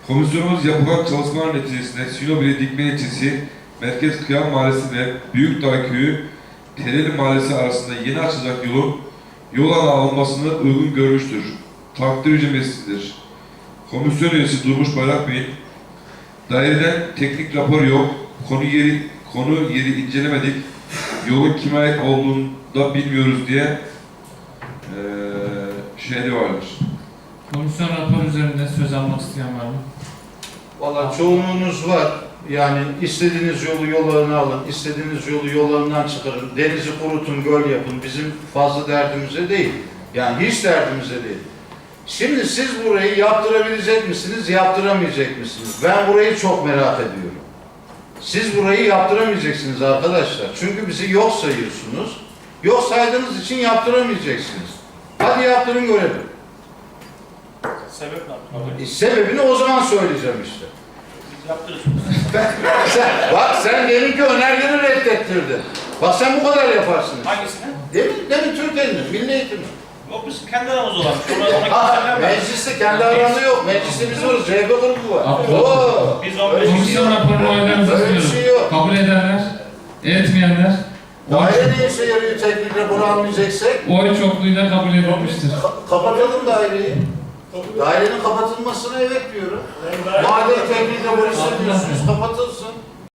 Komisyonumuz yapılan çalışmalar neticesinde Sinopili Dikme ilçesi, Merkez Kıyam Mahallesi ve Büyükdağ Köyü, Tereli Mahallesi arasında yeni açılacak yol alanı alınmasını uygun görmüştür. Takdir ücretidir. Komisyon üyesi Durmuş Bayrak Bey'in daireden teknik rapor yok, konu yeri incelemedik, yolun kime ait olduğunu da bilmiyoruz diye şeyde vardır. Komisyon raporu üzerinde söz almak isteyen var mı? Valla çoğunluğunuz var. Yani istediğiniz yolu yollarına alın, istediğiniz yolu yollarından çıkarın, denizi kurutun, göl yapın. Bizim fazla derdimize değil. Yani hiç derdimize değil. Şimdi siz burayı yaptırabilecek misiniz, yaptıramayacak mısınız? Ben burayı çok merak ediyorum. Siz burayı yaptıramayacaksınız arkadaşlar. Çünkü bizi yok sayıyorsunuz. Yok saydığınız için yaptıramayacaksınız. Hadi yaptırın görelim. Sebep ne abi? Sebebini o zaman söyleyeceğim işte. Biz yaptırırız. Bak sen deminki önergeni reddettirdin. Bak sen bu kadar yaparsın. Hangisini? Demin Türkiye'nin, milli eğitimi. Yok biz kendi aramızda olan. Sonra Mecliste kendi aramızda yok. Mecliste biz varız. CHP grubu var. Oo. Biz 15 Komisyon raporunu oylarınızı Öyle bir şey sunuyorum. yok. Kabul edenler, etmeyenler, Daire ne işe yarıyor teknik raporu almayacaksak? oy çokluğuyla kabul edilmiştir. Kapatalım daireyi. Dairenin kapatılmasına evet diyorum. Madem teknik rapor istemiyorsunuz kapatılsın.